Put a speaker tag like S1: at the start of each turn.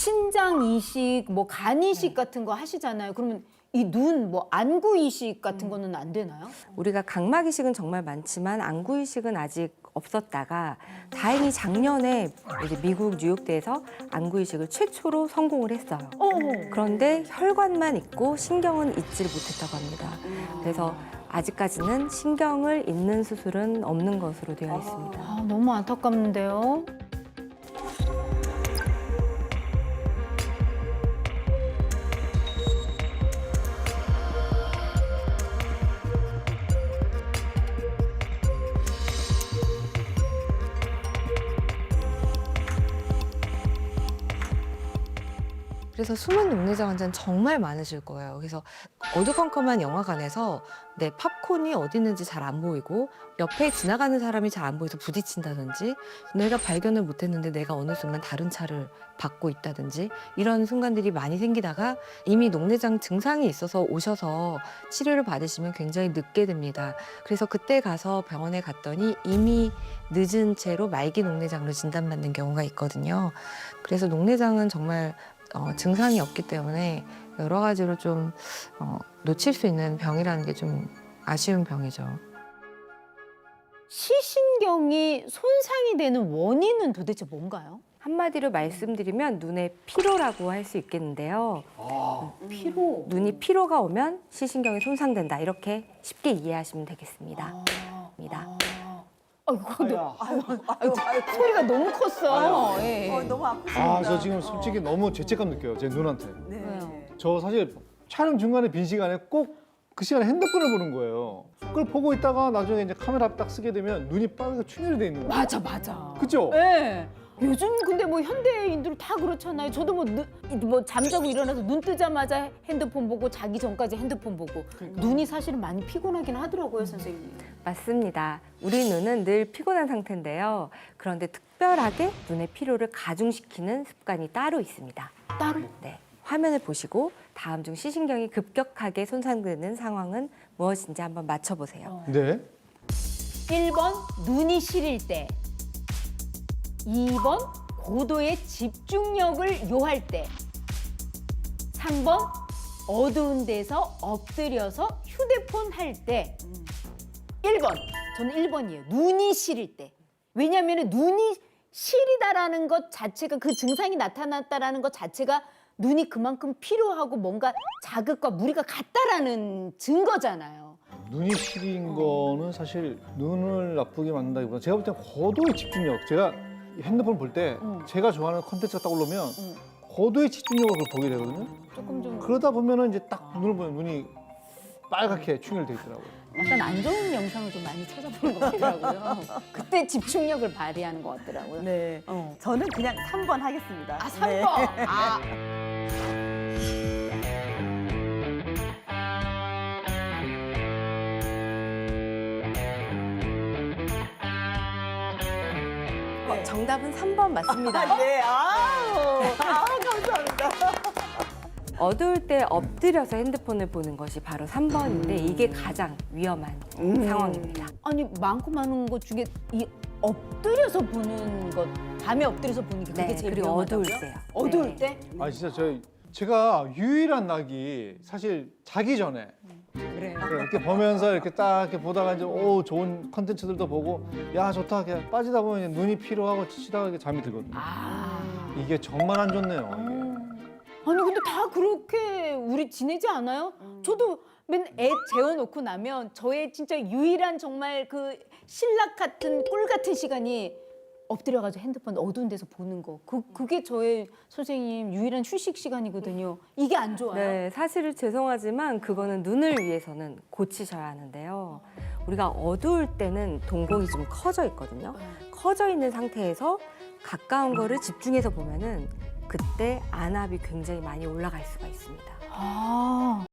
S1: 신장 이식, 뭐 간 이식 같은 거 하시잖아요. 그러면 이 눈, 뭐 안구 이식 같은 거는 안 되나요?
S2: 우리가 각막 이식은 정말 많지만 안구 이식은 아직 없었다가 다행히 작년에 이제 미국 뉴욕대에서 안구 이식을 최초로 성공을 했어요. 그런데 혈관만 있고 신경은 있지를 못했다고 합니다. 그래서 아직까지는 신경을 잇는 수술은 없는 것으로 되어 있습니다.
S1: 아, 너무 안타깝는데요.
S3: 그래서 숨은 녹내장 환자는 정말 많으실 거예요. 그래서 어두컴컴한 영화관에서 내 팝콘이 어디 있는지 잘 안 보이고 옆에 지나가는 사람이 잘 안 보여서 부딪힌다든지 내가 발견을 못했는데 내가 어느 순간 다른 차를 받고 있다든지 이런 순간들이 많이 생기다가 이미 녹내장 증상이 있어서 오셔서 치료를 받으시면 굉장히 늦게 됩니다. 그래서 그때 가서 병원에 갔더니 이미 늦은 채로 말기 녹내장으로 진단받는 경우가 있거든요. 그래서 녹내장은 정말 증상이 없기 때문에 여러 가지로 좀 놓칠 수 있는 병이라는 게 좀 아쉬운 병이죠.
S1: 시신경이 손상이 되는 원인은 도대체 뭔가요?
S2: 한마디로 말씀드리면 눈의 피로라고 할 수 있겠는데요.
S1: 피로.
S2: 눈이 피로가 오면 시신경이 손상된다. 이렇게 쉽게 이해하시면 되겠습니다.
S1: 아이고, 소리가 너무 컸어. 예.
S4: 너무 아프십니다.
S5: 저 지금 솔직히 너무 죄책감 느껴요, 제 눈한테.
S1: 왜요?
S5: 저 사실 촬영 중간에 빈 시간에 꼭 그 시간에 핸드폰을 보는 거예요. 그걸 보고 있다가 나중에 이제 카메라 딱 쓰게 되면 눈이 빨갛게 충혈이 돼 있는 거예요.
S1: 맞아.
S5: 그죠?
S1: 예. 요즘 근데 뭐 현대인들 다 그렇잖아요. 저도 뭐 잠자고 일어나서 눈 뜨자마자 핸드폰 보고 자기 전까지 핸드폰 보고 눈이 사실은 많이 피곤하긴 하더라고요, 선생님.
S2: 맞습니다. 우리 눈은 늘 피곤한 상태인데요. 그런데 특별하게 눈의 피로를 가중시키는 습관이 따로 있습니다.
S1: 따로?
S2: 네. 화면을 보시고 다음 중 시신경이 급격하게 손상되는 상황은 무엇인지 한번 맞춰보세요.
S5: 네.
S1: 1번 눈이 시릴 때, 2번 고도의 집중력을 요할 때, 3번 어두운 데서 엎드려서 휴대폰 할 때, 1번 저는 1번이에요. 눈이 시릴 때. 왜냐하면 눈이 시리다라는 것 자체가, 그 증상이 나타났다라는 것 자체가 눈이 그만큼 피로하고 뭔가 자극과 무리가 같다라는 증거잖아요.
S5: 눈이 시린 거는 사실 눈을 나쁘게 만든다기보다 제가 볼 때 고도의 집중력. 제가 핸드폰 볼 때 제가 좋아하는 콘텐츠가 딱 올라오면 고도의 집중력으로 보게 되거든요.
S1: 조금 좀
S5: 그러다 보면은 이제 딱 눈을 보면 눈이 빨갛게 충혈돼 있더라고요.
S1: 약간 안 좋은 영상을 좀 많이 찾아보는 것 같더라고요. 그때 집중력을 발휘하는 것 같더라고요.
S4: 네. 저는 그냥 3번 하겠습니다.
S1: 아, 3번.
S4: 네.
S1: 아.
S2: 정답은 3번 맞습니다.
S4: 네. 감사합니다.
S2: 어두울 때 엎드려서 핸드폰을 보는 것이 바로 3번인데 이게 가장 위험한 상황입니다.
S1: 아니, 많고 많은 것 중에 이 엎드려서 보는 것, 밤에 엎드려서 보는 게 그게
S2: 네,
S1: 제일
S2: 그리고
S1: 위험하다고요?
S2: 어두울 때요.
S1: 어두울
S2: 네.
S1: 때?
S5: 진짜 제가 유일한 낙이 사실 자기 전에
S1: 그래요.
S5: 이렇게 보면서 이렇게 딱 이렇게 보다가 이제 좋은 컨텐츠들도 보고 야 좋다 이렇게 빠지다 보면 눈이 피로하고 지치다가 이렇게 잠이 들거든요. 이게 정말 안 좋네요. 이게.
S1: 아니, 근데 다 그렇게 우리 지내지 않아요? 저도 맨 애 재워놓고 나면 저의 진짜 유일한 정말 그 신락 같은 꿀 같은 시간이 엎드려가지고 핸드폰 어두운 데서 보는 거. 그게 저의 선생님 유일한 휴식 시간이거든요. 이게 안 좋아요?
S2: 네, 사실 죄송하지만 그거는 눈을 위해서는 고치셔야 하는데요. 우리가 어두울 때는 동공이 좀 커져 있거든요. 커져 있는 상태에서 가까운 거를 집중해서 보면은 그때 안압이 굉장히 많이 올라갈 수가 있습니다.
S1: 아.